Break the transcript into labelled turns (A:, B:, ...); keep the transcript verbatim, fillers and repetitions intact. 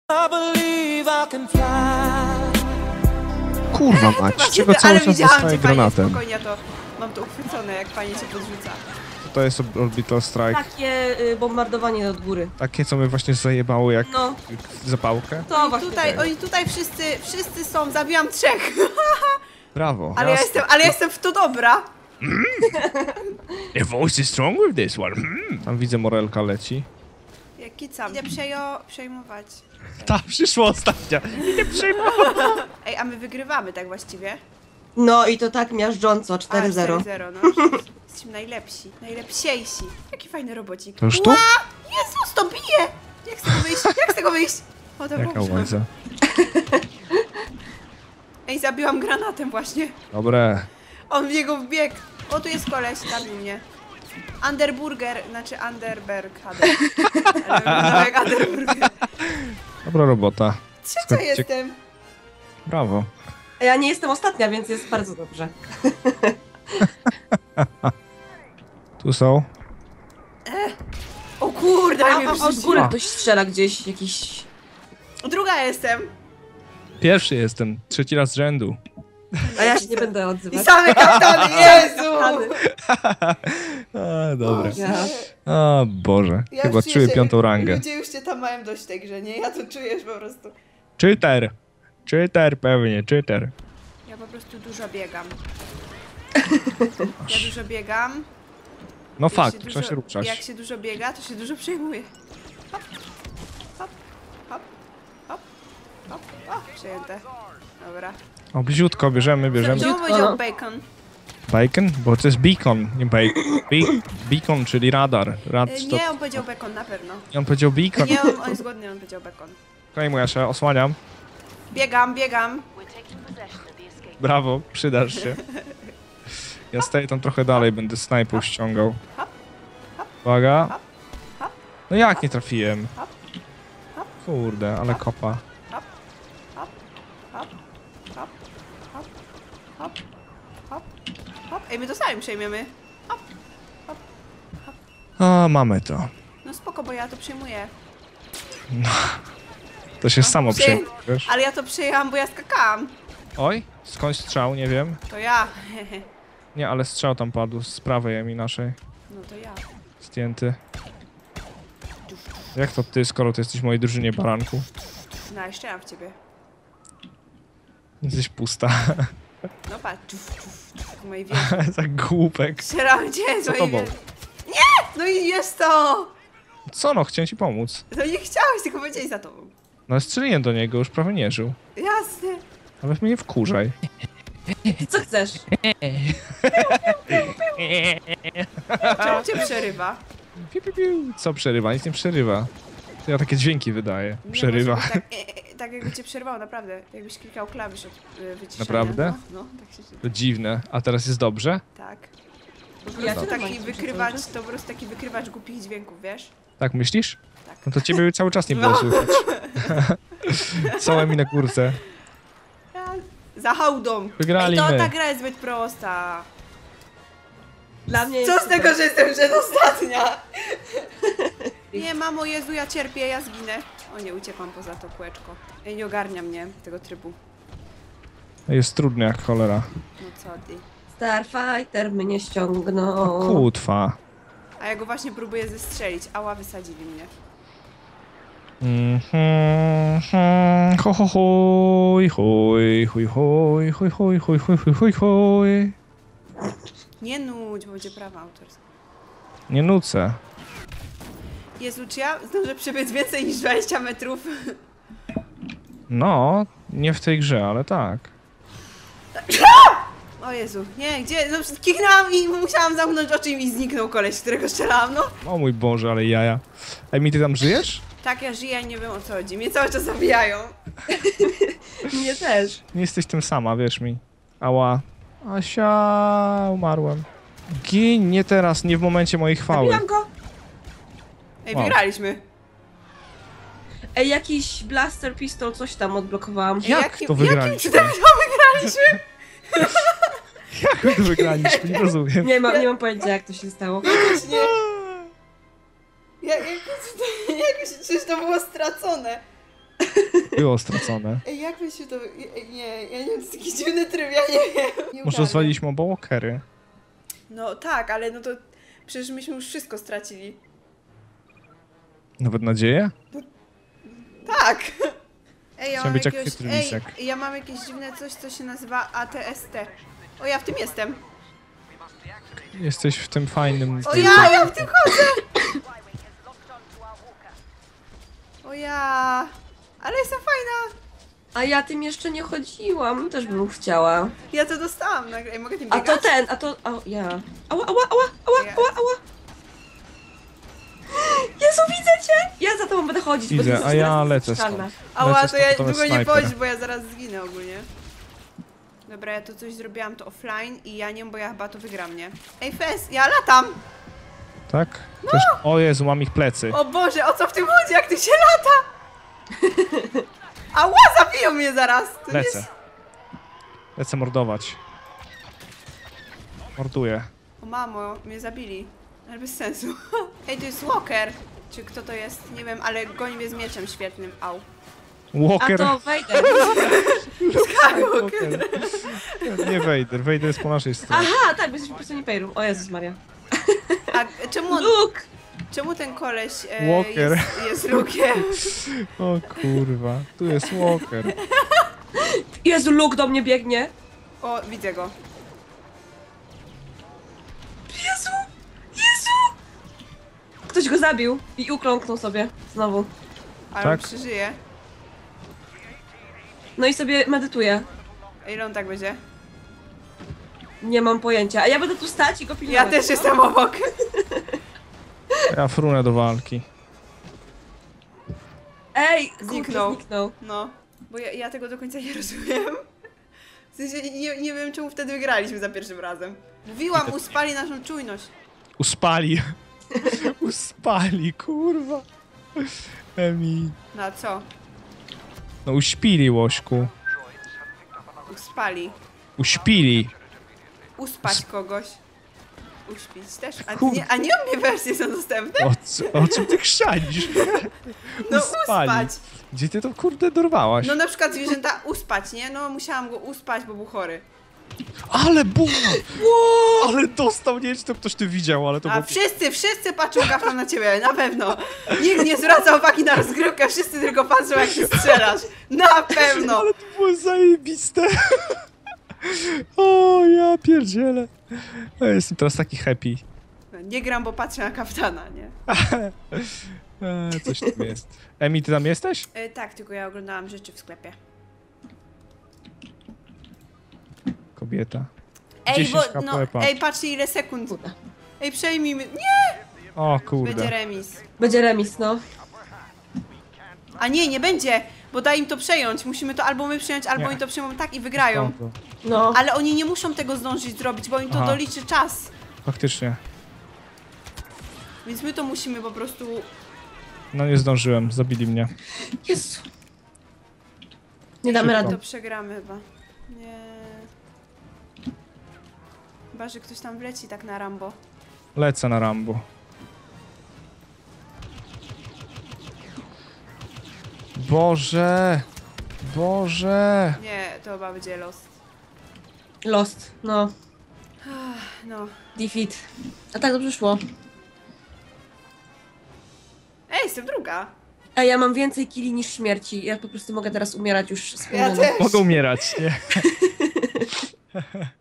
A: Kurwa mać, czego cały czas dostaję granatem?
B: Spokojnie, ja to mam to uchwycone, jak fajnie się podrzuca.
A: To jest Orbital Strike.
C: Takie y, bombardowanie od góry.
A: Takie, co mnie właśnie zajebało jak
C: No.
A: zapałkę.
C: To
B: Oni
C: właśnie
B: tutaj,
C: tak.
B: oni tutaj wszyscy, wszyscy są, zabiłam trzech.
A: Brawo.
B: Ale ja jestem, ale ja jestem w to dobra.
A: The voice is strong with this one. Mm. Tam widzę, Morelka leci.
B: Jaki sam. Idę przejo, przejmować.
A: Ta przyszła ostatnia. Idę przejmować.
B: Ej, a my wygrywamy tak właściwie.
C: No i to tak miażdżąco, cztery zero.
B: cztery zero, no. Jesteśmy najlepsi, najlepsiejsi. Jaki fajny robocik.
A: To już tu?
B: Ła! Jezus, to bije! Jak z tego wyjść? Jak z tego wyjść? O, to
A: Jaka
B: dobrze.
A: łańca.
B: Ej, zabiłam granatem właśnie.
A: Dobre.
B: On w niego wbiegł. O, tu jest koleś, zabił mnie. Underburger, znaczy Underberg. Hader. Ale wyglądał jak Underburger.
A: Dobra robota.
B: Trzecia
A: Skończcie-
B: jestem.
A: Brawo.
C: Ja nie jestem ostatnia, więc jest bardzo dobrze.
A: Tu są.
B: O kurde,
C: A,
B: ale mnie
C: a, a z
B: wyrzuciło.
C: góry ktoś strzela gdzieś, jakiś...
B: Druga jestem.
A: Pierwszy jestem. Trzeci raz z rzędu.
C: A ja się nie będę
B: I
C: odzywać.
B: same kaptany, Jezu!
A: A, dobra.
C: Ja.
A: O Boże.
B: Ja
A: Chyba
B: już czuję
A: czuję
B: się-
A: piątą rangę.
B: Ludzie już cię tam mają dość tej grze, nie? Ja to czujesz po prostu.
A: Cheater. Cheater pewnie, cheater.
B: Ja po prostu dużo biegam. Ja dużo biegam.
A: No
B: Jak
A: fakt,
B: się
A: trzeba
B: dużo-
A: się ruszać.
B: Jak się dużo biega, to się dużo przejmuje. Hop, hop, hop, hop, hop. O, przejęte. Dobra.
A: O, bliziutko, bierzemy, bierzemy.
B: Czemu powiedział bacon?
A: Bacon? Bo to jest beacon, nie bacon. Be beacon, czyli radar. Rad,
B: E,
A: to...
B: Nie, on powiedział bacon, na pewno.
A: I on powiedział beacon.
B: Nie, on, on jest głodny, on powiedział bacon.
A: Okej, moja się osłaniam.
B: Biegam, biegam.
A: Brawo, przydasz się. Ja staję tam trochę dalej, będę snajpą ściągał. Uwaga. No jak nie trafiłem? Kurde, ale kopa.
B: Hop, hop, hop, hop, hop, hop, hop. Ej, my to sami przejmiemy. Hop.
A: O, mamy to.
B: No spoko, bo ja to przejmuję.
A: To się samo
B: Przyję-
A: przyjmie, wiesz?
B: Ale ja to przejęłam, bo ja skakałam.
A: Oj, skądś strzał, nie wiem.
B: To ja.
A: Nie, ale strzał tam padł z prawej mi naszej.
B: No to ja.
A: Zdjęty. Jak to ty, skoro ty jesteś w mojej drużynie, baranku?
B: No, jeszcze mam w ciebie.
A: Jesteś pusta.
B: No patrz. Czuf, czuf, czuf, mojej wieży.
A: Tak głupek.
B: Strzelam cię z
A: Co
B: mojej
A: tobą?
B: wieży. Nie! No i jest to!
A: Co no, chciałem ci pomóc.
B: No nie chciałeś, tylko powiedziałeś za tobą.
A: No strzeliłem do niego, już prawie nie żył.
B: Jasne.
A: Ale mnie nie wkurzaj.
C: Co chcesz?
B: Czemu cię przerywa?
A: Piu, piu, piu. Co przerywa? Nic nie przerywa. To ja takie dźwięki wydaję.
B: Nie,
A: Przerywa.
B: bo Tak, e, e, tak jakby cię przerwało, naprawdę. Jakbyś klikał klawisz od e, wyciszenia.
A: Naprawdę?
B: No, no tak się...
A: To dziwne. A teraz jest dobrze?
B: Tak. Po
C: Ja
B: prostu
C: też
B: taki
C: mam
B: wykrywacz,
C: coś,
B: to po prostu taki wykrywacz głupich dźwięków, wiesz?
A: Tak myślisz?
B: Tak.
A: No to ciebie cały czas nie było
B: No.
A: słychać. Całe mi na kurce.
B: Ja... Za hałdą.
A: Wygrali
B: Ej, to
A: my.
B: ta gra jest zbyt prosta.
C: Dla mnie
B: Co
C: jest
B: z tego, że jestem przedostatnia? Nie, mamo, Jezu, ja cierpię, ja zginę. O nie, uciekłam poza to kółeczko. Ej, nie ogarnia mnie tego trybu.
A: Jest trudny jak cholera.
B: No co ty?
C: Starfighter mnie ściągnął.
A: Kutwa.
B: A ja go właśnie próbuję zestrzelić. Ała, wysadzili mnie.
A: Mhm, mhm. Ho, ho, hoj, hoj, hoj, hoj, hoj, hoj, hoj, hoj, hoj, hoj, hoj.
B: Nie nudź, bo będzie prawa autorskie.
A: Nie nucę.
B: Jezu, czy ja zdążę przebiec więcej niż dwadzieścia metrów?
A: No, nie w tej grze, ale tak.
B: O Jezu, nie, gdzie? No, kichnęłam i musiałam zamknąć oczy i mi zniknął koleś, z którego strzelałam, no.
A: O mój Boże, ale jaja. Emi, ty tam żyjesz?
B: Tak, ja żyję i nie wiem o co chodzi. Mnie cały czas zabijają.
C: Mnie też.
A: Nie jesteś tym sama, wierz mi. Ała. Asia, umarłem. Gin, nie teraz, nie w momencie mojej chwały.
C: Zabijam go.
B: Ej,
A: Wow.
B: wygraliśmy.
C: Ej, jakiś blaster pistol, coś tam odblokowałam.
B: Ej,
A: Jak
B: jakim-
A: to wygraliśmy?
B: Jakim cudem to wygraliśmy?
A: Jak to wygraliśmy? Nie rozumiem.
C: Nie mam, nie mam pojęcia, jak to się stało.
B: Właśnie. Jak, jak, jak, przecież to było stracone.
A: Było stracone.
B: Ej, jak by się to... Ej, nie, ja nie wiem, to jest jakiś dziwny tryb, ja nie wiem. Nie
A: Może
B: ogarniam.
A: rozwaliliśmy oba walkery.
B: No tak, ale no to... Przecież myśmy już wszystko stracili.
A: Nawet nadzieję?
B: Tak! Ej, ja
A: Chciałem
B: mam
A: być jak
B: jakiegoś...
A: chytry
B: Ej,
A: lisek.
B: ja mam jakieś dziwne coś, co się nazywa A T S T. O, ja w tym jestem.
A: Jesteś w tym fajnym...
B: O ja, ja w tym chodzę! O ja... Ale jestem fajna!
C: A ja tym jeszcze nie chodziłam, też bym chciała.
B: Ja to dostałam nagle. Ej, mogę tym
C: A
B: biegać?
C: to ten, a to... A, ja. Ała, ała, ała, ała,
B: Ja.
C: ała, ała. Jezu, widzę cię! Ja za tobą będę chodzić, bo ty
A: Widzę,
C: jesteś
A: a ja
C: teraz
A: lecę
C: niezniszczalna.
A: stąd.
B: Ała,
A: Lecę
B: to ja
A: stąd, to jest
B: długo nie
A: snajper.
B: pochodź, bo ja zaraz zginę ogólnie. Dobra, ja to coś zrobiłam to offline i ja nie wiem, bo ja chyba to wygram, nie? Ej, Fes, ja latam!
A: Tak? Też... O Jezu, mam ich plecy.
B: O Boże, o co w tym chodzi, jak ty się lata? Ała, zabiją mnie zaraz! To nie
A: Lecę.
B: jest...
A: Lecę mordować. Morduję.
B: O mamo, mnie zabili. Ale bez sensu. Ej, to jest Walker. Czy kto to jest? Nie wiem, ale goni mnie z mieczem świetnym. Au.
C: A
A: Walker.
C: to wejdę.
A: Walker. Nie Vader. Vader jest po naszej stronie.
C: Aha, tak, bo jesteś po prostu Imperium. O Jezus Maria.
B: A czemu, on,
C: Luke!
B: czemu ten koleś e,
A: Walker.
B: jest, jest Luke'iem?
A: O kurwa. Tu jest Walker.
C: Jezu, Luke do mnie biegnie.
B: O, widzę go.
C: Jezu! Jezu! Ktoś go zabił i ukląknął sobie znowu.
B: Ale
A: Tak?
B: on przeżyje.
C: No i sobie medytuje.
B: A ile on tak będzie?
C: Nie mam pojęcia. A ja będę tu stać i go pilnować.
B: Ja też
C: no?
B: jestem obok.
A: Ja frunę do walki.
C: Ej,
B: Zniknął.
C: zniknął. zniknął.
B: No, bo ja, ja tego do końca nie rozumiem. W sensie nie, nie wiem, czemu wtedy wygraliśmy za pierwszym razem. Mówiłam, uspali naszą czujność.
A: Uspali. Uspali, kurwa. Emi.
B: Na co?
A: No uśpili, Łośku.
B: Uspali.
A: Uśpili.
B: Uspać kogoś. Uśpić też. A
A: Kur-
B: nie, a nie obie wersje są dostępne?
A: O, co, o czym ty chrzanisz?
B: No
A: Uspali.
B: uspać.
A: Gdzie ty to kurde dorwałaś?
B: No na przykład zwierzęta uspać, nie? No musiałam go uspać, bo był chory.
A: Ale bum! Ale dostał, nie wiem, czy to ktoś ty widział, ale to
B: A
A: było...
B: wszyscy, wszyscy patrzą gafną na ciebie, na pewno. Nikt nie zwraca uwagi na rozgrywkę, wszyscy tylko patrzą, jak ty strzelasz. Na pewno.
A: Ale to było zajebiste. O, ja pierdzielę. Ja jestem teraz taki happy.
B: Nie gram, bo patrzę na kapitana, nie?
A: E, coś tam jest. Emi, ty tam jesteś?
B: E, tak, tylko ja oglądałam rzeczy w sklepie.
A: Kobieta.
B: Ej,
A: dziesięć
B: bo, no,
A: K P,
B: ej, patrzcie ile sekund.
C: Kurde.
B: Ej, przejmij mi. Nie!
A: O
B: Będzie
A: kurde.
B: remis.
C: Będzie remis, no.
B: A nie, nie będzie, bo da im to przejąć. Musimy to albo my przejąć, albo
A: Nie.
B: oni to przejmą tak i wygrają.
A: O, to-
C: No.
B: Ale oni nie muszą tego zdążyć zrobić, bo im to
A: Aha.
B: doliczy czas.
A: Faktycznie.
B: Więc my to musimy po prostu...
A: No nie zdążyłem, zabili mnie.
C: Jezu. Nie damy
A: Szybko.
C: rady.
B: To przegramy chyba. Nie. Chyba, że ktoś tam wleci tak na Rambo.
A: Lecę na Rambo. Boże! Boże!
B: Nie, to chyba będzie lost.
C: Lost, no.
B: No.
C: Defeat. A tak dobrze szło.
B: Ej, jestem druga.
C: A ja mam więcej killi niż śmierci. Ja po prostu mogę teraz umierać już z
B: Ja
C: pełnią.
B: też.
A: Mogę umierać, nie?